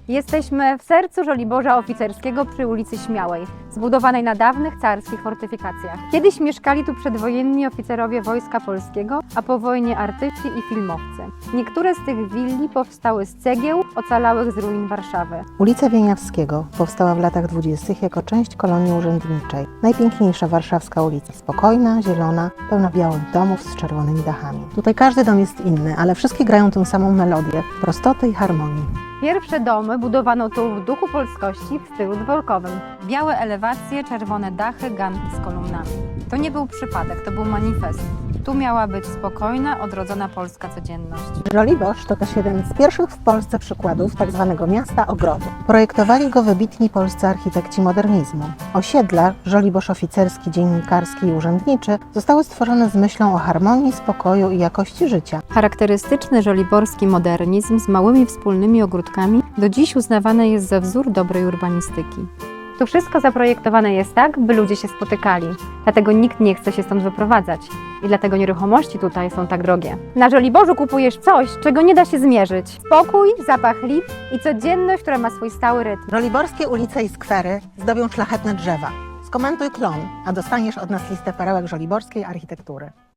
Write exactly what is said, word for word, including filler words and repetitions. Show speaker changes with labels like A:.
A: Jesteśmy w sercu Żoliborza Oficerskiego przy ulicy Śmiałej, zbudowanej na dawnych carskich fortyfikacjach. Kiedyś mieszkali tu przedwojenni oficerowie Wojska Polskiego, a po wojnie artyści i filmowcy. Niektóre z tych willi powstały z cegieł ocalałych z ruin Warszawy.
B: Ulica Wieniawskiego powstała w latach dwudziestych jako część kolonii urzędniczej. Najpiękniejsza warszawska ulica. Spokojna, zielona, pełna białych domów z czerwonymi dachami. Tutaj każdy dom jest inny, ale wszystkie grają tę samą melodię, prostoty i harmonii.
A: Pierwsze domy budowano tu w duchu polskości w stylu dworkowym. Białe elewacje, czerwone dachy, ganki z kolumnami. To nie był przypadek, to był manifest. Tu miała być spokojna, odrodzona polska codzienność.
B: Żoliborz to też jeden z pierwszych w Polsce przykładów tzw. miasta ogrodu. Projektowali go wybitni polscy architekci modernizmu. Osiedla, Żoliborz Oficerski, Dziennikarski i Urzędniczy, zostały stworzone z myślą o harmonii, spokoju i jakości życia.
A: Charakterystyczny żoliborski modernizm z małymi wspólnymi ogródkami do dziś uznawany jest za wzór dobrej urbanistyki. Tu wszystko zaprojektowane jest tak, by ludzie się spotykali. Dlatego nikt nie chce się stąd wyprowadzać. I dlatego nieruchomości tutaj są tak drogie. Na Żoliborzu kupujesz coś, czego nie da się zmierzyć. Spokój, zapach lip i codzienność, która ma swój stały rytm.
B: Żoliborskie ulice i skwery zdobią szlachetne drzewa. Skomentuj klon, a dostaniesz od nas listę perełek żoliborskiej architektury.